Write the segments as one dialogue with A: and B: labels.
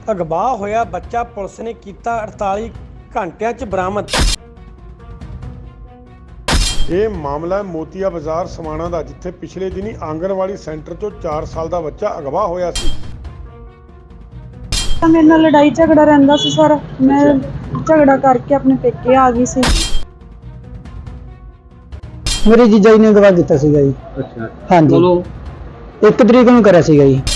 A: ਅਗਵਾ ਹੋਇਆ ਬੱਚਾ ਪੁਲਿਸ ਨੇ ਕੀਤਾ 48 ਘੰਟਿਆਂ 'ਚ ਬਰਾਮਦ।
B: ਇਹ ਮਾਮਲਾ ਮੋਤੀਆ ਬਾਜ਼ਾਰ ਸਮਾਣਾ ਦਾ, ਜਿੱਥੇ ਪਿਛਲੇ ਦਿਨੀ ਆਂਗਣਵਾੜੀ ਸੈਂਟਰ ਤੋਂ 4 ਸਾਲ ਦਾ ਬੱਚਾ ਅਗਵਾ ਹੋਇਆ ਸੀ।
C: ਮੇਰੇ ਨਾਲ ਲੜਾਈ ਝਗੜਾ ਰਹਿੰਦਾ ਸੀ ਸਰ। ਮੈਂ ਝਗੜਾ ਕਰਕੇ ਆਪਣੇ ਪੇਕੇ ਆ ਗਈ ਸੀ।
D: ਮੇਰੇ ਜੀਜਾ ਜੀ ਨੇ ਅਗਵਾ ਕੀਤਾ ਸੀਗਾ ਜੀ।
E: ਅੱਛਾ
D: ਹਾਂਜੀ,
E: ਚਲੋ
D: 1 ਤਰੀਕ ਨੂੰ ਕਰਿਆ ਸੀਗਾ ਜੀ।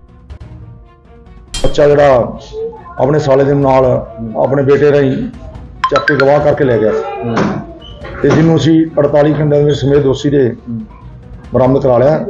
F: ਬੱਚਾ ਜਿਹੜਾ ਆਪਣੇ ਸਾਲੇ ਦੇ ਨਾਲ ਆਪਣੇ ਬੇਟੇ ਰਾਹੀਂ ਚੱਕ ਕੇ ਗਵਾਹ ਕਰਕੇ ਲੈ ਗਿਆ ਤੇ ਜਿਹਨੂੰ ਅਸੀਂ 48 ਘੰਟਿਆਂ ਦੇ ਵਿੱਚ ਸਮੇਤ ਦੋਸ਼ੀ ਦੇ ਬਰਾਮਦ ਕਰਾ ਲਿਆ।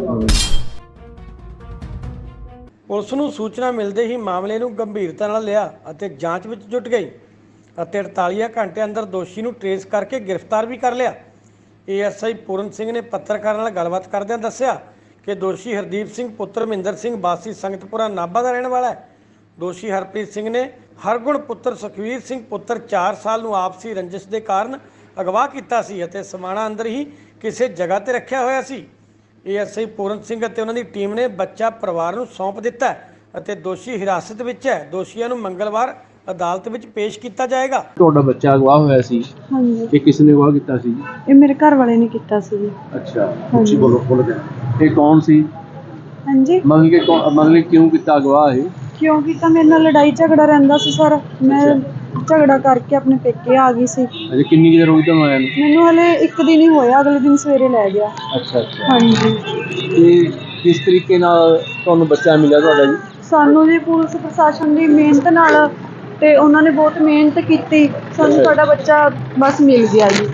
A: ਪੁਲਿਸ ਨੂੰ ਸੂਚਨਾ ਮਿਲਦੇ ਹੀ ਮਾਮਲੇ ਨੂੰ ਗੰਭੀਰਤਾ ਨਾਲ ਲਿਆ ਅਤੇ ਜਾਂਚ ਵਿੱਚ ਜੁਟ ਗਈ ਅਤੇ 48 ਘੰਟੇ ਅੰਦਰ ਦੋਸ਼ੀ ਨੂੰ ਟ੍ਰੇਸ ਕਰਕੇ ਗ੍ਰਿਫਤਾਰ ਵੀ ਕਰ ਲਿਆ। ਏਐਸਆਈ ਪੂਰਨ ਸਿੰਘ ਨੇ ਪੱਤਰਕਾਰਾਂ ਨਾਲ ਗੱਲਬਾਤ ਕਰਦਿਆਂ ਦੱਸਿਆ ਕਿ ਦੋਸ਼ੀ ਹਰਦੀਪ ਸਿੰਘ ਪੁੱਤਰ ਮਹਿੰਦਰ ਸਿੰਘ ਵਾਸੀ ਸੰਗਤਪੁਰਾ ਨਾਭਾ ਦਾ ਰਹਿਣ ਵਾਲਾ ਹੈ। ਦੋਸ਼ੀ ਹਰਪ੍ਰੀਤ ਸਿੰਘ ਨੇ ਹਰਗੁਣ ਪੁੱਤਰ ਸੁਖਵੀਰ ਸਿੰਘ ਪੁੱਤਰ 4 ਸਾਲ ਨੂੰ ਆਪਸੀ ਰੰਜਿਸ਼ ਦੇ ਕਾਰਨ ਅਗਵਾ ਕੀਤਾ ਸੀ ਅਤੇ ਸਮਾਣਾ ਅੰਦਰ ਹੀ ਕਿਸੇ ਜਗ੍ਹਾ ਤੇ ਰੱਖਿਆ ਹੋਇਆ ਸੀ। ਏਐਸਆਈ ਪੂਰਨ ਸਿੰਘ ਅਤੇ ਉਹਨਾਂ ਦੀ ਟੀਮ ਨੇ ਬੱਚਾ ਪਰਿਵਾਰ ਨੂੰ ਸੌਂਪ ਦਿੱਤਾ ਹੈ ਅਤੇ ਦੋਸ਼ੀ ਹਿਰਾਸਤ ਵਿੱਚ ਹੈ। ਦੋਸ਼ੀਆਂ ਨੂੰ ਮੰਗਲਵਾਰ ਅਦਾਲਤ ਵਿੱਚ ਪੇਸ਼ ਕੀਤਾ ਜਾਏਗਾ।
E: ਤੁਹਾਡਾ ਬੱਚਾ ਅਗਵਾ ਹੋਇਆ ਸੀ,
C: ਹਾਂਜੀ,
E: ਇਹ ਕਿਸ ਨੇ ਅਗਵਾ ਕੀਤਾ ਸੀ?
C: ਇਹ ਮੇਰੇ ਘਰ ਵਾਲੇ ਨੇ ਕੀਤਾ ਸੀ ਜੀ।
E: ਅੱਛਾ,
C: ਹਾਂਜੀ।
E: ਬੋਲੋ ਇਹ ਕੌਣ ਸੀ?
C: ਹਾਂਜੀ,
E: ਮਤਲਬ ਕਿਉਂ ਕੀਤਾ ਅਗਵਾ ਇਹ?
C: ਕਿਉਂਕਿ ਤਾਂ ਮੇਰੇ ਨਾਲ ਲੜਾਈ ਝਗੜਾ ਰਹਿੰਦਾ ਸੀ ਸਰ। ਮੈਂ ਝਗੜਾ ਕਰਕੇ ਆਪਣੇ ਪੇਕੇ ਆ ਗਈ ਸੀ।
E: ਅਜੇ ਕਿੰਨੀ ਕੁ ਦੇਰ ਹੋਈ ਤੁਹਾਨੂੰ ਆਇਆ ਨੂੰ?
C: ਮੈਨੂੰ ਹਲੇ 1 ਦਿਨ ਹੀ ਹੋਇਆ, ਅਗਲੇ ਦਿਨ ਸਵੇਰੇ ਲੈ ਗਿਆ।
E: ਅੱਛਾ ਅੱਛਾ।
C: ਹਾਂਜੀ,
E: ਤੇ ਕਿਸ ਤਰੀਕੇ ਨਾਲ ਤੁਹਾਨੂੰ ਬੱਚਾ ਮਿਲਿਆ ਤੁਹਾਡਾ ਜੀ?
C: ਸਾਨੂੰ ਜੀ ਪੁਲਿਸ ਪ੍ਰਸ਼ਾਸਨ ਦੀ ਮਿਹਨਤ ਨਾਲ, ਤੇ ਉਹਨਾਂ ਨੇ ਬਹੁਤ ਮਿਹਨਤ ਕੀਤੀ, ਸਾਨੂੰ ਸਾਡਾ ਬੱਚਾ ਬਸ ਮਿਲ ਗਿਆ ਜੀ।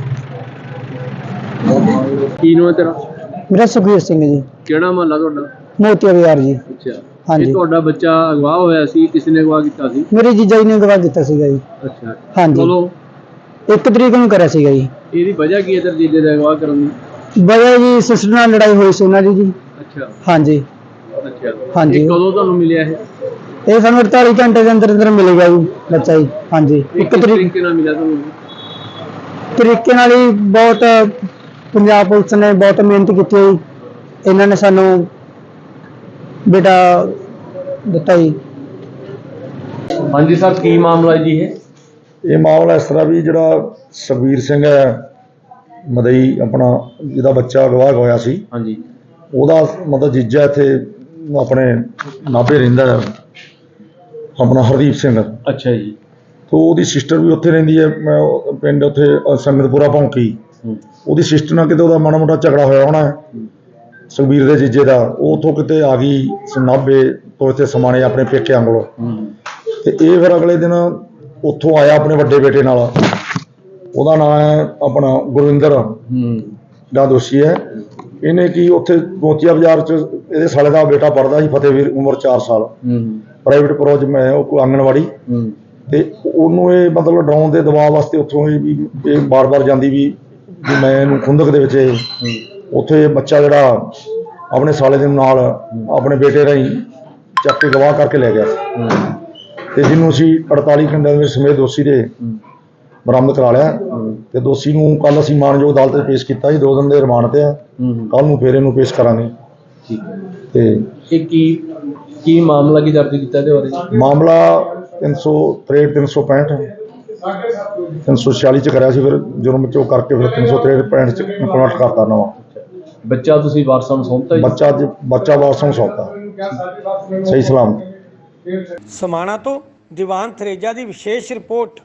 E: ਕੀ ਨਾਮ ਹੈ ਤੇਰਾ?
D: ਮੇਰਾ ਸੁਖਵੀਰ ਸਿੰਘ ਜੀ,
E: ਕਿਹੜਾ ਮਹੱਲਾ ਤੁਹਾਡਾ?
D: ਮੋਤੀਆ ਬਾਜ਼ਾਰ ਜੀ।
E: ਅੱਛਾ,
D: ਹਾਂਜੀ।
E: ਇਹ ਤੁਹਾਡਾ ਬੱਚਾ ਅਗਵਾ ਹੋਇਆ ਸੀ, ਕਿਸ ਨੇ ਅਗਵਾ ਕੀਤਾ ਸੀ?
D: ਮੇਰੇ ਜੀਜਾ ਜੀ ਨੇ ਅਗਵਾ ਕੀਤਾ ਸੀਗਾ ਜੀ।
E: ਅੱਛਾ,
D: ਹਾਂਜੀ।
E: ਚਲੋ
D: 1 ਤਰੀਕ ਨੂੰ ਕਰਿਆ ਸੀਗਾ ਜੀ।
E: ਇਹਦੀ ਵਜ੍ਹਾ ਕੀ ਹੈ ਤੇਰੇ ਜੀਜੇ ਦਾ ਅਗਵਾ ਕਰਨ ਦੀ?
D: ਵਜ੍ਹਾ ਜੀ ਸਿਸਟਰ ਨਾਲ ਲੜਾਈ ਹੋਈ ਸੀ ਉਹਨਾਂ ਦੀ ਜੀ।
E: ਅੱਛਾ
D: ਹਾਂਜੀ
E: ਅੱਛਾ।
D: ਹਾਂਜੀ।
E: ਇਹ ਕਦੋਂ ਤੁਹਾਨੂੰ ਮਿਲਿਆ ਇਹ?
D: ਇਹ ਸਾਨੂੰ 48 ਘੰਟੇ ਦੇ ਅੰਦਰ ਅੰਦਰ ਮਿਲੇਗਾ ਜੀ ਬੱਚਾ ਜੀ। ਹਾਂਜੀ,
E: ਇਹ
D: 1
E: ਕਿਸ
D: ਤਰੀਕ
E: ਤਰੀਕੇ ਨਾਲ ਮਿਲਿਆ ਤੁਹਾਨੂੰ?
D: ਤਰੀਕੇ ਨਾਲ ਹੀ ਬਹੁਤ ਪੰਜਾਬ ਪੁਲਿਸ ਨੇ ਬਹੁਤ ਮਿਹਨਤ ਕੀਤੀ ਹੈ ਜੀ। ਇਹਨਾਂ ਨੇ ਸਾਨੂੰ ਬੇਟਾ ਦਿੱਤਾ ਜੀ।
E: ਹਾਂਜੀ ਸਰ, ਕੀ ਮਾਮਲਾ ਹੈ ਜੀ ਇਹ?
F: ਇਹ ਮਾਮਲਾ ਇਸ ਤਰ੍ਹਾਂ ਵੀ ਜਿਹੜਾ ਸੁਖਵੀਰ ਸਿੰਘ ਹੈ ਮਦਈ ਆਪਣਾ, ਜਿਹਦਾ ਬੱਚਾ ਅਗਵਾ ਹੋਇਆ ਸੀ,
E: ਹਾਂਜੀ,
F: ਉਹਦਾ ਮਤਲਬ ਜੀਜਾ ਇੱਥੇ ਆਪਣੇ ਨਾਭੇ ਰਹਿੰਦਾ ਹੈ, ਆਪਣਾ ਹਰਦੀਪ ਸਿੰਘ।
E: ਅੱਛਾ ਜੀ।
F: ਤੋਂ ਉਹਦੀ ਸਿਸਟਰ ਵੀ ਉੱਥੇ ਰਹਿੰਦੀ ਹੈ, ਪਿੰਡ ਉੱਥੇ ਸੰਗਤਪੁਰਾ ਭੌਂਕੀ। ਉਹਦੀ ਸਿਸਟਰ ਨਾਲ ਕਿਤੇ ਉਹਦਾ ਮਾੜਾ ਮੋਟਾ ਝਗੜਾ ਹੋਇਆ ਹੋਣਾ ਹੈ ਸੁਖਬੀਰ ਦੇ ਜੀਜੇ ਦਾ। ਉਹ ਉੱਥੋਂ ਕਿਤੇ ਆ ਗਈ ਨਾਭੇ ਤੋਂ ਇੱਥੇ ਸਮਾਣੇ ਆਪਣੇ ਪੇਕਿਆਂ ਕੋਲੋਂ, ਤੇ ਇਹ ਫਿਰ ਅਗਲੇ ਦਿਨ ਉੱਥੋਂ ਆਇਆ ਆਪਣੇ ਵੱਡੇ ਬੇਟੇ ਨਾਲ। ਉਹਦਾ ਨਾਮ ਹੈ ਆਪਣਾ ਗੁਰਵਿੰਦਰ ਦਾ ਦੋਸ਼ੀ ਹੈ। ਇਹਨੇ ਕੀ ਉੱਥੇ ਮੋਤੀਆ ਬਾਜ਼ਾਰ 'ਚ ਇਹਦੇ ਸਾਲੇ ਦਾ ਬੇਟਾ ਪੜ੍ਹਦਾ ਸੀ, ਫਤਿਹਵੀਰ, ਉਮਰ 4 ਸਾਲ, ਪ੍ਰਾਈਵੇਟ ਪ੍ਰੋਜੈਕਟ ਮੈਂ ਉਹ ਕੋਈ ਆਂਗਣਵਾੜੀ। ਤੇ ਉਹਨੂੰ ਇਹ ਮਤਲਬ ਡਰਾਉਣ ਦੇ ਦਬਾਅ ਵਾਸਤੇ ਉੱਥੋਂ ਇਹ ਬਾਰ-ਬਾਰ ਜਾਂਦੀ ਵੀ ਮੈਂ ਇਹਨੂੰ ਖੁੰਦਕ ਦੇ ਵਿੱਚ ਉੱਥੇ ਬੱਚਾ ਜਿਹੜਾ ਆਪਣੇ ਸਾਲੇ ਦੇ ਨਾਲ ਆਪਣੇ ਬੇਟੇ ਰਾਹੀਂ ਚੱਕ ਕੇ ਗਵਾਹ ਕਰਕੇ ਲੈ ਗਿਆ ਤੇ ਜਿਹਨੂੰ ਅਸੀਂ 48 ਘੰਟਿਆਂ ਦੇ ਵਿੱਚ ਸਮੇਤ ਦੋਸ਼ੀ ਦੇ ਬਰਾਮਦ ਕਰਾ ਲਿਆ। ਤੇ ਦੋਸ਼ੀ ਨੂੰ ਕੱਲ ਅਸੀਂ ਮਾਨਯੋਗ ਅਦਾਲਤ 'ਚ ਪੇਸ਼ ਕੀਤਾ ਜੀ। 2 ਦਿਨ ਦੇ ਰਿਮਾਂਡ ਤੇ ਆ, ਕੱਲ ਨੂੰ ਫੇਰ ਇਹਨੂੰ ਪੇਸ਼ ਕਰਾਂਗੇ।
E: ਠੀਕ ਹੈ।
F: ਤੇ
E: ਇਹ ਕੀ ਮਾਮਲਾ ਕੀ ਦਰਜ ਕੀਤਾ ਇਹਦੇ ਬਾਰੇ?
F: ਮਾਮਲਾ 363 365 346 ਚ ਕਰਿਆ ਸੀ, ਫਿਰ ਜੁਰਮ ਚੋਂ ਕਰਕੇ ਫਿਰ 363 65 ਚ ਕਨਵਰਟ ਕਰਤਾ ਨਵਾਂ।
E: ਬੱਚਾ ਤੁਸੀਂ ਵਾਰਸਾਂ ਨੂੰ ਸੌਂਪਤਾ ਜੀ?
F: ਬੱਚਾ ਵਾਰਸਾਂ ਨੂੰ ਸੌਂਪਤਾ ਸਹੀ ਸਲਾਮਤ।
A: ਸਮਾਣਾ ਤੋਂ ਦੀਵਾਨ ਥਰੇਜਾ ਦੀ ਵਿਸ਼ੇਸ਼ ਰਿਪੋਰਟ।